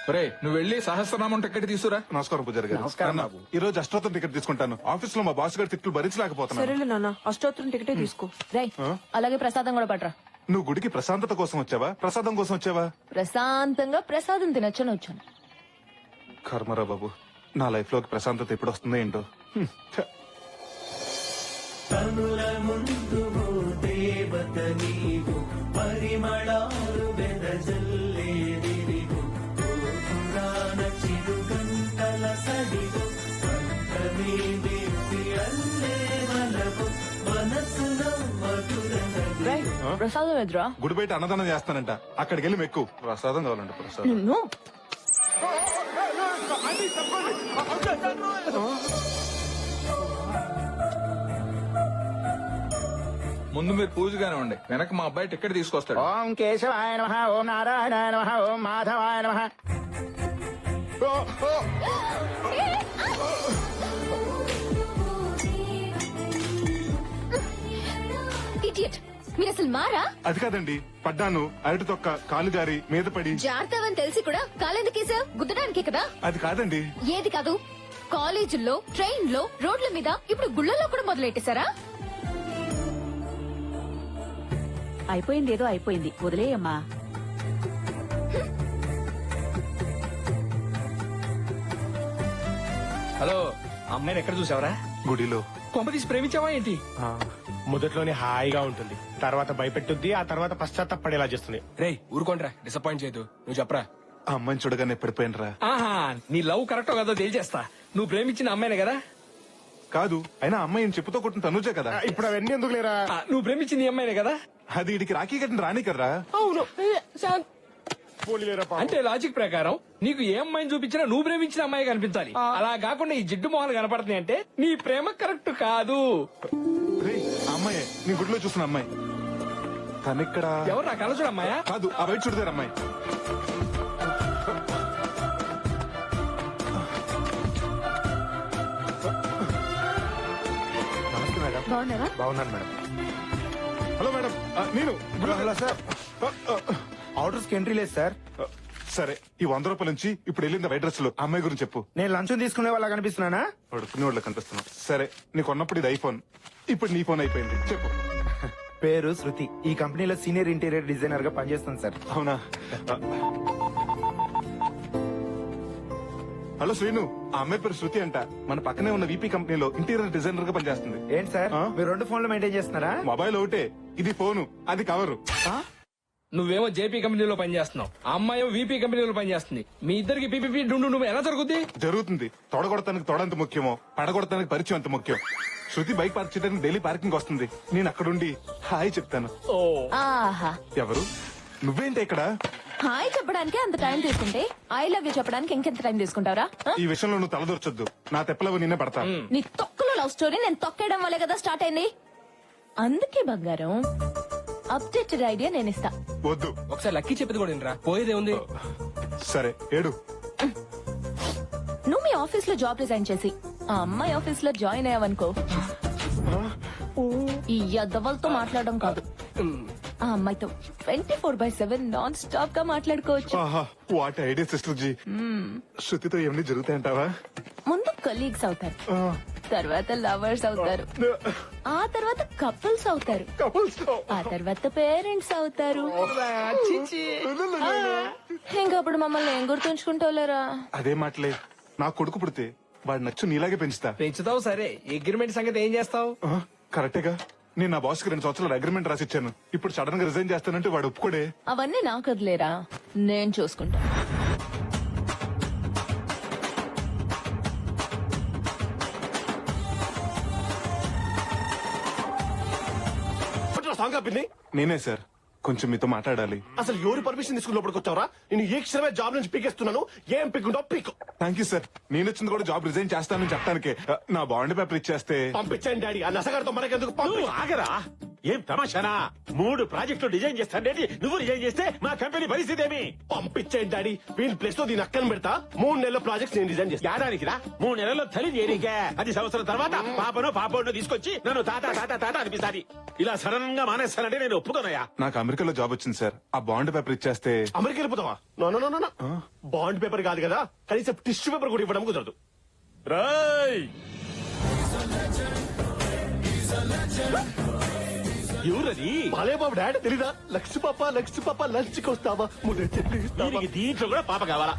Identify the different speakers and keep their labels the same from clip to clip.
Speaker 1: రే నువ్వు వెళ్ళి సహస్రనామం టికెట్ తీసుకురా.
Speaker 2: నమస్కారం పూజారి గారు.
Speaker 3: నమస్కారం
Speaker 2: అన్న,
Speaker 3: బాబు.
Speaker 2: ఈ రోజు అష్టోత్తరం టికెట్ తీసుకుంటాను. ఆఫీస్ లో మా బాస్ గారి తిట్లు భరించలేకపోతున్నాను.
Speaker 4: సరేలే నాన్న, అష్టోత్తరం టికెటే తీసుకో.
Speaker 5: రై అలాగే ప్రసాదం కూడా పట్రా.
Speaker 2: నువ్వు గుడికి ప్రశాంతత కోసం వచ్చావా, ప్రసాదం కోసం వచ్చావా?
Speaker 5: ప్రశాంతంగా ప్రసాదం తినొచ్చని వచ్చాను.
Speaker 2: కర్మరా బాబు, నా లైఫ్ లోకి ప్రశాంతత ఎప్పుడు వస్తుందో ఏంటో. ఛ.
Speaker 5: రై ప్రసాదం ఎదురా.
Speaker 2: గుడి బయట అన్నదానం చేస్తానంట, అక్కడికి వెళ్ళి మెక్కు. ప్రసాదం కావాలంట, ప్రసాదం.
Speaker 5: నిన్ను
Speaker 1: ముందు మీరు పూజగానే ఉండి, వెనక మా అబ్బాయి టికెట్ తీసుకొస్తాడు.
Speaker 3: ఓం కేశవాయ నమః, ఓం నారాయణాయ నమః, ఓం మాధవాయ నమః.
Speaker 6: ఇడియట్, మీరు అసలు మారా?
Speaker 2: అది కాదండి, పడ్డాను. అరటి తొక్క కాలు గారి మీద పడి.
Speaker 6: జాగ్రత్తవని తెలిసి కూడా కాలెందుకేసా? గుద్దడానికే కదా.
Speaker 2: అది కాదండి.
Speaker 6: ఏది కాదు? కాలేజీల్లో, ట్రైన్ లో, రోడ్ల మీద, ఇప్పుడు గుళ్ళల్లో కూడా మొదలెట్టేశారా?
Speaker 4: అయిపోయింది, ఏదో అయిపోయింది, వదిలేయమ్మా.
Speaker 7: హలో, అమ్మాయిని ఎక్కడ చూసావరా?
Speaker 2: గుడిలో.
Speaker 7: కొంప తీసి ప్రేమించావా ఏంటి?
Speaker 8: మొదట్లోనే హాయిగా ఉంటుంది, తర్వాత భయపెట్టుద్ది, ఆ తర్వాత పశ్చాత్తపడేలా చేస్తుంది.
Speaker 7: రేయ్ ఊరుకోండ్రా, డిసప్పాయింట్ చేయదు. నువ్వు చెప్పరా.
Speaker 2: ఆ అమ్మాయిని చూడగానే పడిపోయినరా.
Speaker 7: ఆహా, నీ లవ్ కరెక్టో కదో తేల్చేస్తా. నువ్వు ప్రేమించిన అమ్మాయినే కదా?
Speaker 2: కాదు, అయినా అమ్మాయి చెప్పుతో కొట్టిన తనుజే కదా.
Speaker 8: ఇప్పుడు అవన్నీ ఎందుకు లేరా?
Speaker 7: నువ్వు ప్రేమించింది ఈ అమ్మాయినే కదా?
Speaker 2: అది ఇడికి రాఖీ కట్టిన రాని కదరా.
Speaker 7: అవును.
Speaker 8: పోనీలేరా పాపం.
Speaker 7: అంటే లాజిక్ ప్రకారం నీకు ఏ అమ్మాయిని చూపించినా నువ్వు ప్రేమించిన అమ్మాయి కనిపించాలి. అలా కాకుండా ఈ జిడ్డు మొహాలు కనపడుతున్నాయి అంటే నీ ప్రేమ కరెక్ట్ కాదు.
Speaker 2: రేయ్, ఆ అమ్మాయి నీ గుడిలో చూసిన అమ్మాయి. తనిక్కడ.
Speaker 7: ఎవరు నా కళ్ళ చూడ అమ్మాయా?
Speaker 2: కాదు, ఆ బయట చూడదారు అమ్మాయి.
Speaker 8: నమస్తే మేడం.
Speaker 6: బాగున్నారా?
Speaker 8: బాగున్నాను మేడం.
Speaker 2: హలో మేడం, నేను
Speaker 8: హలో సార్. ఆర్డర్స్ కి ఎంట్రీ లేదు సార్.
Speaker 2: సరే, ఈ 100 రూపాయల నుంచి ఇప్పుడు వెళ్ళింది వైట్ డ్రెస్ లో అమ్మాయి గురించి చెప్పు.
Speaker 8: నేను లంచ్ తీసుకునే వాళ్ళ కనిపిస్తున్నానా?
Speaker 2: పడుకునే వాళ్ళకి కనిపిస్తున్నావు. సరే, నీకు ఉన్నప్పుడు ఇది ఐఫోన్, ఇప్పుడు నీ ఫోన్ అయిపోయింది. చెప్పు.
Speaker 8: పేరు శృతి, ఈ కంపెనీలో సీనియర్ ఇంటీరియర్ డిజైనర్ గా పనిచేస్తాను సార్.
Speaker 2: అవునా? హలో శ్రీను, ఆ అమ్మాయి పేరు శృతి అంట. మన పక్కనే ఉన్న వీపీ కంపెనీలో ఇంటీరియర్ డిజైనర్ గా పనిచేస్తుంది.
Speaker 8: ఏంటి సార్, మీరు 2 ఫోన్లు మెయింటైన్ చేస్తున్నారా?
Speaker 2: మొబైల్ ఒకటే, ఇది ఫోను, అది కవరు.
Speaker 7: నువ్వేమో జేపీ కంపెనీలో పనిచేస్తున్నావు, ఆ అమ్మాయి వీపీ కంపెనీలో పనిచేస్తుంది. మీ ఇద్దరికి పీపీపీ డుండు నువ్వు ఎలా జరుగుద్ది?
Speaker 2: జరుగుతుంది. తొడగొడతానికి తొడంత ముఖ్యమో, పడగొడతానికి పరిచయం అంత ముఖ్యం. శృతి బైక్ పార్క్ చేయడానికి డైలీ పార్కింగ్ వస్తుంది. నేను అక్కడుండి హాయ్ చెప్తాను.
Speaker 7: ఓ,
Speaker 5: ఆహా,
Speaker 2: ఎవరు? నువ్వేంటి ఇక్కడ?
Speaker 5: హాయ్ చెప్పడానికి అంత టైం తీసుకుంటే ఐ లవ్ యూ చెప్పడానికి ఇంకెంత టైం తీసుకుంటారా?
Speaker 2: ఈ విషయంలో నువ్వు తలదూర్చొద్దు. నా తెప్పలవు నిన్నే పడతా.
Speaker 5: నీ తొక్కలో లవ్ స్టోరీ నేను తొక్కేయడం వల్లే కదా స్టార్ట్ అయింది. అందుకే బంగారం, అప్డేటెడ్ ఐడియా నేను ఇస్తా.
Speaker 2: వద్దు.
Speaker 7: ఒకసారి లక్కీ చెప్పేది కూడా వినరా, పోయేదే ఉంది.
Speaker 2: సరే, ఏడు.
Speaker 5: నువ్వు మీ ఆఫీస్ లో జాబ్ రిజైన్ చేసి ఆ అమ్మాయి ఆఫీస్ లో జాయిన్ అయ్యావనుకో, ఈ యద్దవలతో మాట్లాడడం కాదు, ఆ అమ్మాయితో 24/7 నాన్ స్టాప్ గా మాట్లాడుకోవచ్చు.
Speaker 2: ఆహా, వాట్ ఐడియా సిస్టర్ జీ. శృతితో ఏమన్నీ జరుగుతాయంటావా?
Speaker 5: ముందు కొలీగ్స్ అవుతారు, తర్వాత లవర్స్ అవుతారు, ఆ తర్వాత కపుల్స్ అవుతారు, ఆ తర్వాత పేరెంట్స్ అవుతారు. ఇంకప్పుడు మమ్మల్ని ఏం గుర్తుంచుకుంటావులేరా?
Speaker 2: అదే మాటలే. నా కొడుకు పుడితే వాడు నచ్చు నీలాగే పెంచుతా.
Speaker 7: పెంచుతావు సరే, అగ్రిమెంట్ సంగతి ఏం చేస్తావు?
Speaker 2: కరెక్టేగా. నేను నా బాస్ కి 2 సంవత్సరాలు అగ్రిమెంట్ రాసిచ్చాను. ఇప్పుడు సడన్ గా రిజైన్ చేస్తానంటే వాడు ఒప్పుకోడే.
Speaker 5: అవన్నీ నాకు వదిలేరా, నేను చూసుకుంటా.
Speaker 2: నేనే సార్, కొంచెం మీతో మాట్లాడాలి.
Speaker 8: అసలు ఎవరు పర్మిషన్ తీసుకుని లోపలికి వచ్చావరా? నేను ఏ క్షణమే జాబ్ నుంచి పీకేస్తున్నాను. ఏం పీకుంటావు పీకు.
Speaker 2: Thank you sir. నేను వచ్చింది కూడా జాబ్ రిజైన్ చేస్తానని చెప్పడానికే. నా బాండ్ పేపర్ ఇచ్చేస్తే.
Speaker 8: పంపించండి డాడీ, ఆ నసగారితో మనకెందుకు? పంపి.
Speaker 7: ఆగరా,
Speaker 9: ఏం తమాషానా 3 ప్రాజెక్టులు డిజైన్ చేస్తాండి నువ్వు డిజైన్ చేస్తే మా కంపెనీ పరిస్థితి ఏమి?
Speaker 8: పంపించేయండి డాడీ వీళ్ళ ప్లేస్ లో దీని అక్కని పెడతా 3 నెలల ప్రాజెక్ట్స్ నేను డిజైన్ చేస్తా.
Speaker 9: ఏడాదికి రా 3 నెలల్లో తల్లి చేయడానికే. అది సంవత్సరం తర్వాత పాపనో పాపనో తీసుకొచ్చి నన్ను తాత తాత తాత అనిపిస్తాది. ఇలా సడన్ గా మానేస్తానంటే నేను ఒప్పుకోనయ్యా.
Speaker 2: నాకు అమెరికాలో జాబ్ వచ్చింది సార్. ఆ బాండ్ పేపర్ ఇచ్చేస్తే
Speaker 8: అమెరికా వెళ్ళిపోతావా? No no no no bond paper కాదు కదా, కనీసం టిష్యూ పేపర్ కూడా ఇవ్వడం కుదరదు.
Speaker 9: రాయ్ ఎవరది?
Speaker 8: బాలే బాబు డాడీ తెలీదా? లక్ష్మి పాప లంచ్ కి వస్తావా? ముద్ద చెల్లి ఇస్తావా?
Speaker 9: దీనికి దీంట్లో కూడా పాప కావాలా?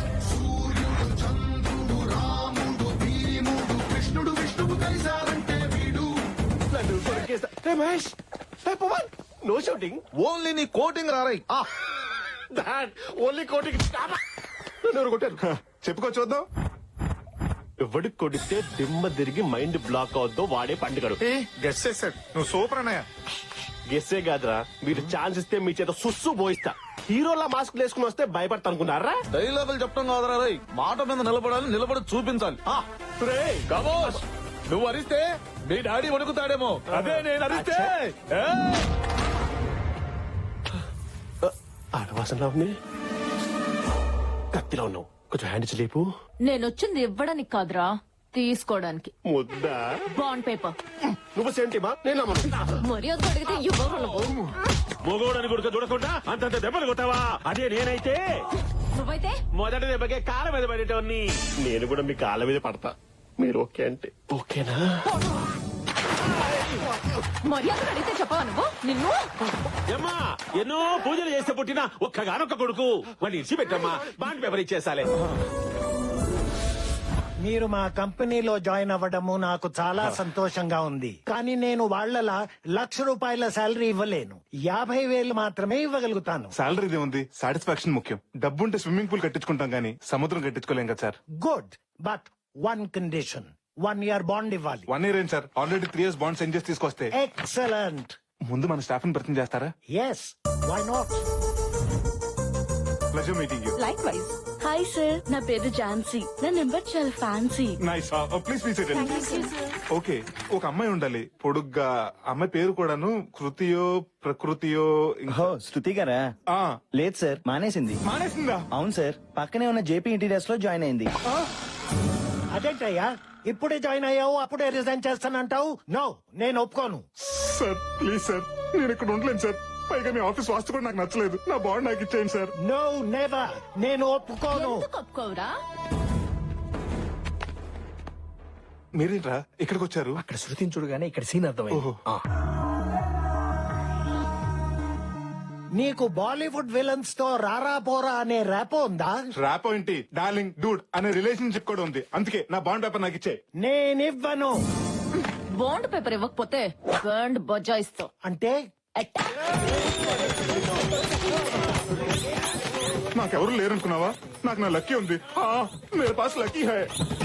Speaker 8: నన్ను కొరికేస్తా. Hey, Mahesh Hey, Pawan no shooting.
Speaker 3: Only నీ కోటింగ్ రారై
Speaker 8: డాడ్ ఓన్లీ కోటింగ్. నన్ను ఎవరు కొట్టారు?
Speaker 2: చెప్పుకో చూద్దాం.
Speaker 8: ఎవడికి కొడితే దిమ్మ తిరిగి మైండ్ బ్లాక్ అవుద్దో వాడే పండుగడు.
Speaker 2: గెస్ చేశాడు. నువ్వు సూపర్ అన్నయ్య.
Speaker 8: గెస్సే కాదురా, మీరు ఛాన్స్ ఇస్తే మీ చేత సుస్సు పోయిస్తా. హీరోలా మాస్క్ వేసుకుని వస్తే భయపడతా అనుకున్నారా?
Speaker 3: డైలాగులు చెప్పడం కాదురా రై, మాట మీద నిలబడాలి, నిలబడి చూపించాలి. కమోష్, నువ్వు అరిస్తే మీ డాడీ వణుకుతాడేమో, అదే నేను అరిస్తే
Speaker 8: ఆడవాసనలా ఉంది. కత్తిలో ఉన్నావు, కొంచెం హ్యాండ్ లేపు.
Speaker 5: నేనొచ్చింది ఇవ్వడానికి కాదురా, తీసుకోవడానికి.
Speaker 8: ముద్దా
Speaker 5: బాండ్ పేపర్.
Speaker 8: నువ్వు సేంటిమా? నేను నమ్మను.
Speaker 5: మర్యాద అడిగితే ఇవ్వగలవు.
Speaker 9: మొగోడని గుడక చూడకుండా అంతంత దెబ్బలు కొట్టావా? అదే నేనైతే
Speaker 5: నువ్వైతే
Speaker 9: మొదటి దెబ్బకే కాళ్ళ మీద పడేటోన్ని.
Speaker 8: నేను కూడా మీ కాళ్ళ మీద పడతా. మీరు ఓకే అంటే ఓకేనా?
Speaker 5: మర్యాద అడిగితే చెప్పవా నువ్వు? నిన్ను
Speaker 9: ఏమ్మా ఎన్నో పూజలు చేస్తే పుట్టిన ఒక్కగానొక్క కొడుకు వాడిని ఇచ్చి పెట్టమ్మా. బాండ్ పేపర్ ఇచ్చేసాలే.
Speaker 10: మీరు మా కంపెనీలో జాయిన్ అవ్వడము నాకు చాలా సంతోషంగా ఉంది. కానీ నేను వాళ్ళలా ₹1,00,000 శాలరీ ఇవ్వలేను. 50,000 మాత్రమే ఇవ్వగలుగుతాను.
Speaker 2: సాలరీదే ఉంది, సాటిస్ఫాక్షన్ ముఖ్యం. డబ్బుంటే స్విమ్మింగ్ పూల్ కట్టించుకుంటాం గానీ సముద్రం కట్టించుకోలేం కదా sir.
Speaker 10: Good, but 1 condition, 1 year bond ఇవ్వాలి.
Speaker 2: 1 year ఏం sir, already 3 years bond send చేసి తీసుకొస్తే.
Speaker 10: ఎక్సలెంట్.
Speaker 2: ముందు మన స్టాఫ్ ని పరిచయం చేస్తారా?
Speaker 10: Yes, why not.
Speaker 2: Pleasure meeting you.
Speaker 4: Likewise.
Speaker 5: Hi sir, నా పేరు ఝాన్సీ. నా నెంబర్ చాలా ఫ్యాన్సీ.
Speaker 2: నైస్. ప్లీజ్ ఓకే, ఒక అమ్మాయి ఉండాలి పొడుగ్గా. అమ్మాయి పేరు కూడాను కృతియో ప్రకృతియో.
Speaker 3: శృతి గారా?
Speaker 2: ఆ,
Speaker 3: లేదు సార్, మానేసింది.
Speaker 2: మానేసిందా?
Speaker 3: అవును సార్, పక్కనే ఉన్న జేపీ ఇంటీరియర్స్ లో జాయిన్ అయింది.
Speaker 10: అదేంటయ్యా, ఇప్పుడే జాయిన్ అయ్యావు అప్పుడే రిజైన్ చేస్తానంటావు? నో, నేను ఒప్పుకోను.
Speaker 2: సార్ ప్లీజ్ సార్, నేను ఇక్కడ ఉండలేను సార్. పైగా మీ ఆఫీస్ వాస్తు కూడా నాకు నచ్చలేదు. నా బాండ్ నాకు ఇచ్చేయండి సార్.
Speaker 10: నో నెవర్, నేను ఒప్పుకోను.
Speaker 5: ఎందుకు ఒప్పుకోవురా?
Speaker 2: మీరేంట్రా ఇక్కడికి వచ్చారు?
Speaker 7: అక్కడ శృతిని చూడగానే ఇక్కడ సీన్ అర్థమైంది.
Speaker 2: ఓహో.
Speaker 10: నీకు బాలీవుడ్ విలన్స్ తో రారా పోరా అనే ర్యాపో ఉందా?
Speaker 2: ర్యాప్ ఏంటి, డార్లింగ్ డూడ్ అనే రిలేషన్షిప్ కూడా ఉంది. అందుకే నా బాండ్ పేపర్ నాకు ఇచ్చే.
Speaker 10: నేనివ్వను.
Speaker 5: బాండ్ పేపర్ ఇవ్వకపోతే బాండ్ బజాయిస్తావు.
Speaker 10: అంటే
Speaker 2: నాకెవరు లేరనుకున్నావా? నాకు నా లక్కీ ఉంది. మేరే పాస్ లక్కీ హై.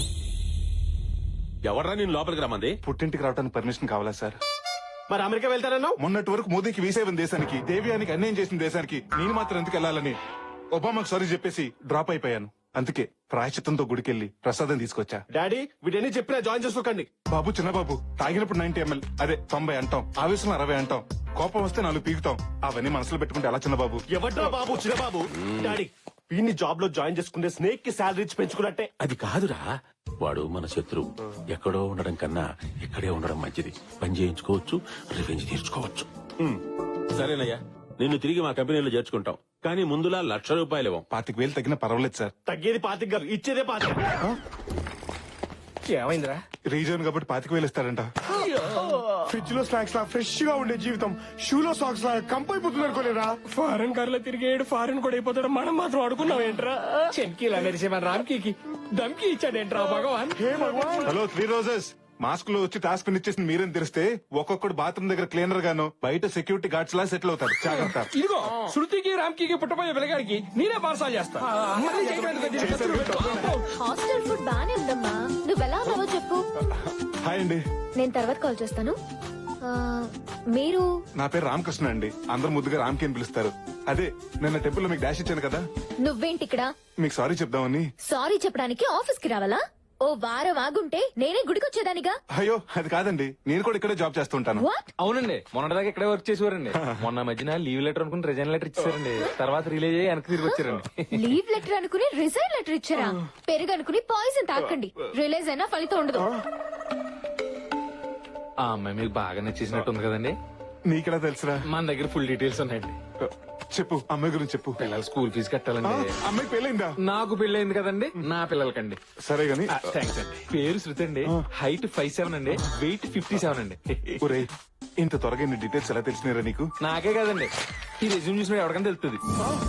Speaker 9: ఎవర్రా నేను లోపలికి రమ్మంది?
Speaker 2: పుట్టింటికి రావడానికి పర్మిషన్ కావాలా సార్?
Speaker 8: మరి అమెరికా వెళ్తారన్నావు?
Speaker 2: మొన్నటి వరకు మోదీకి వీసా ఇవ్వని దేశానికి, దేవ్యానికి అన్యాయం చేసిన దేశానికి నేను మాత్రం ఎందుకు వెళ్ళాలని ఒబామాకు సారీ చెప్పేసి డ్రాప్ అయిపోయాను. అందుకే ప్రాయశ్చిత్తంతో గుడికెళ్ళి ప్రసాదం తీసుకొచ్చా.
Speaker 8: డాడీ వీడని చెప్పినా జాయిన్ చేసుకోకండి.
Speaker 2: బాబు చిన్నబాబు, తాగినప్పుడు 90 ml, అదే 90 అంటాం, ఆవేశంలో 60 అంటాం, కోపం వస్తే 4 పీకుతాం. అవన్నీ మనసులో పెట్టుకుంటే ఎలా చిన్నబాబు?
Speaker 8: ఎవడ్రా బాబు చిన్నబాబు? డాడీ వీడిని జాబ్ లో జాయిన్ చేసుకుంటే స్నేక్ కి శాలరీ ఇచ్చి పెంచుకున్నట్టే.
Speaker 9: అది కాదురా, వాడు మన శత్రువు. ఎక్కడో ఉండడం కన్నా ఇక్కడే ఉండడం మంచిది. పని చేయించుకోవచ్చు, రివెంజ్ తీర్చుకోవచ్చు. సరేనయ్యా, నిన్ను తిరిగి మా కంపెనీలో చేర్చుకుంటాం. కానీ ముందులా ₹1,00,000 ఇవ్వం.
Speaker 2: 25,000 తగ్గినా పర్వాలేదు సార్.
Speaker 8: తగ్గేది 25 గారు, ఇచ్చేదే 25.
Speaker 7: ఏమైందిరా?
Speaker 2: రీజన్ కాబట్టి 25,000 ఇస్తారంట.
Speaker 8: ఫ్రిడ్జ్ లో స్నాక్స్ లా ఫ్రెష్ గా ఉండే జీవితం షూలో సాక్స్ లా కంపైపోతుంది అనుకోలేరా?
Speaker 7: ఫారెన్ కార్ లో తిరిగేడు ఫారెన్ కూడా అయిపోతాడు, మనం మాత్రం అడుగున్నాం ఏంట్రా? చెంకీలా మెరిసే మన రామ్కీకి దమ్కి ఇచ్చాడేంట్రా భగవాన్?
Speaker 2: హలో 3 రోజెస్, మాస్క్ లో వచ్చి టాస్క్ ఇచ్చేసింది మీరేం తెలిస్తే ఒక్కొక్కడు బాత్రూమ్ దగ్గర క్లీనర్ గాను బయట సెక్యూరిటీ గార్డ్స్ లా సెటిల్ అవుతారు. జాగ్రత్త.
Speaker 7: ఇదిగో శృతికి రామ్కీకి పుట్టపోయే పిల్లగాడికి నేనే పార్సాల్ చేస్తా. మళ్ళీ చేయడానికి దీనికి ఖర్చులు పెట్టు.
Speaker 6: హాస్టల్ ఫుడ్ బానే ఉందమ్మా. నువ్వెలా ఉన్నావో చెప్పు.
Speaker 2: హాయ్ అండి,
Speaker 6: నేను తర్వాత కాల్ చేస్తాను. మీరు?
Speaker 2: నా పేరు రామకృష్ణ అండి. అందరు ముద్దుగా రామ్కి అని పిలుస్తారు. అదే నిన్న టెంపుల్ లో మీకు డాష్ ఇచ్చాను కదా,
Speaker 6: నువ్వేంటి ఇక్కడ?
Speaker 2: మీకు సారీ చెప్దామని.
Speaker 6: సారీ చెప్పడానికి ఆఫీస్ కి రావాలా? ఓ వారం ఆగుంటే నేనే గుడికొచ్చేదానిగా.
Speaker 2: అయ్యో అది కాదండి, నేను కూడా ఇక్కడే జాబ్ చేస్తుంటాను.
Speaker 6: వాట్?
Speaker 7: అవునండి మొన్నటిదాకా ఇక్కడే వర్క్ చేసేవారండి. మొన్న మధ్యన లీవ్ లెటర్ అనుకుని రిజైన్ లెటర్ ఇచ్చారండి. తర్వాత రిలీజ్ అయ్యి వెనక్కి తిరిగి వచ్చారండి.
Speaker 6: లీవ్ లెటర్ అనుకుని రిజైన్ లెటర్ ఇచ్చారా? పెరుగు అనుకుని పాయిజన్ తాకండి, రిలీజ్ అయినా ఫలితం ఉండదు.
Speaker 7: ఆ అమ్మాయి మీకు బాగా నచ్చేసినట్టుంది కదండి.
Speaker 2: నీకెలా తెలుసురా?
Speaker 7: మన దగ్గర ఫుల్ డీటెయిల్స్ ఉన్నాయండి.
Speaker 2: చెప్పు, అమ్మాయి గురించి చెప్పు.
Speaker 7: పిల్లల స్కూల్ ఫీజు కట్టాలండి.
Speaker 2: అమ్మాయికి పెళ్ళైందా?
Speaker 7: నాకు పెళ్ళయింది కదండి, నా పిల్లలకండి.
Speaker 2: సరే గాని
Speaker 7: థ్యాంక్స్ అండి. పేరు శృతి అండి, హైట్ 5'7" అండి, వెయిట్ 57 అండి.
Speaker 2: ఒరేయ్, ఇంత త్వరగా నీ డీటెయిల్స్ ఎలా తెలిసినారా నీకు?
Speaker 7: నాకే కదండి, ఈ రెజ్యూమ్ చూసిన ఎవరికైనా తెలుస్తుంది.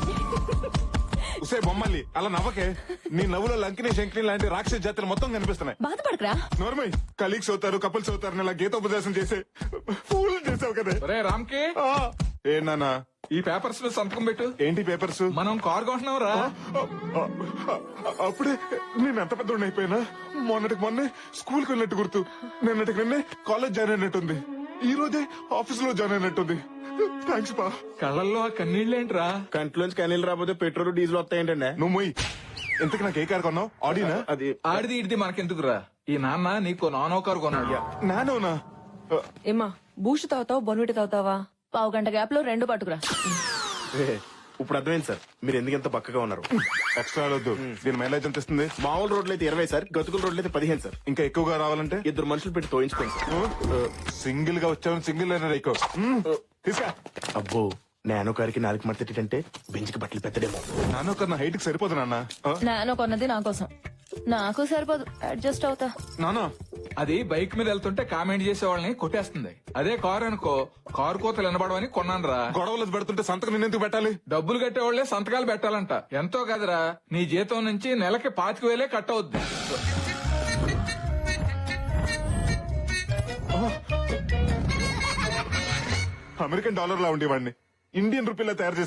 Speaker 2: ఉసే బొమ్మల్లి అలా నవ్వకే. నీ నవ్వులో లంకిని శంకిని లాంటి రాక్షస జాతులు మొత్తం కనిపిస్తున్నాయి.
Speaker 4: బాధపడకరా.
Speaker 2: నోర్మై, కలీగ్స్ అవుతారు, కపుల్స్ అవుతారు, ఇలా గీతోపదేశం చేసే ఫూల్ చేసావు కదా.
Speaker 1: ఒరే రామ్కి,
Speaker 2: ఏ నానా,
Speaker 1: ఈ పేపర్స్ లో సంతకం పెట్టు.
Speaker 2: ఏంటి పేపర్స్?
Speaker 1: మనం కార్ కొంటున్నాం రా.
Speaker 2: అప్పుడే నేను ఎంత పెద్ద అయిపోయినా. మొన్నటికి మొన్నే స్కూల్ కి వెళ్ళినట్టు గుర్తు, నిన్నటికి నిన్నే కాలేజ్ జాయిన్ అయినట్టుంది, ఈ రోజే ఆఫీస్ లో జాయిన్ అయినట్టుంది. థ్యాంక్స్ పా.
Speaker 1: కళ్ళల్లో ఆ కన్నీళ్ళేంట్రా?
Speaker 8: కంట్లోంచి కనీళ్ళు రాకపోతే పెట్రోల్ డీజిల్ వస్తాయంటండి.
Speaker 2: నువ్వు మొయ్. ఇంతకు నాకు ఏ కార్ కొన్నావు? ఆడినా?
Speaker 8: అది
Speaker 1: ఆడిది ఇడిది మనకెందుకురా? ఈ నాన్న నీకు నానో కారు కొన్నాడు.
Speaker 2: నానోనా?
Speaker 4: ఏమా బూస్ట్ తాగుతావా బొన్విటి తాగుతావా?
Speaker 5: పావు గంట గ్యాప్ లో 2 పట్టుకురా.
Speaker 8: ఇప్పుడు అర్థమైంది సార్ మీరు ఎందుకు ఎంత పక్కగా ఉన్నారు.
Speaker 2: ఎక్స్ట్రా వద్దు. దీని మైలేజ్ ఎంత ఇస్తుంది?
Speaker 8: మామూలు రోడ్లు అయితే 20 సార్, గతుకుల రోడ్లు అయితే 15 సార్.
Speaker 2: ఇంకా ఎక్కువగా రావాలంటే
Speaker 8: 2 మనుషులు పెట్టి తోయించుకోండి సార్.
Speaker 2: సింగిల్ గా వచ్చావని సింగిల్ అయినా ఎక్కువ తీసుకా.
Speaker 8: అబ్బో నానో కారికి 4 మడతేటంటే బెంచ్కి బట్టలు పెద్దడేమో.
Speaker 2: నానో కన్నా హైట్ కి సరిపోదు నాన్న.
Speaker 5: నానో కొన్నది నా కోసం, నాకు సరిపోదు, అడ్జస్ట్ అవుతా.
Speaker 2: నానా,
Speaker 1: అది బైక్ మీద వెళ్తుంటే కామెంట్ చేసే వాళ్ళని కొట్టేస్తుంది. అదే కారు అనుకో, కారు కోతలు వినబడవని కొన్నాను రా.
Speaker 2: గొడవలు పెడుతుంటే సంతకం నిన్నెందుకు పెట్టాలి?
Speaker 1: డబ్బులు కట్టేవాళ్లే సంతకాలు పెట్టాలంట. ఎంతో కదరా, నీ జీతం నుంచి నెలకి 25,000 కట్ అవుద్ది.
Speaker 2: అమెరికన్ డాలర్ లా ఉండేవాడిని ఇండియన్ రూపీలా తయారు చేసి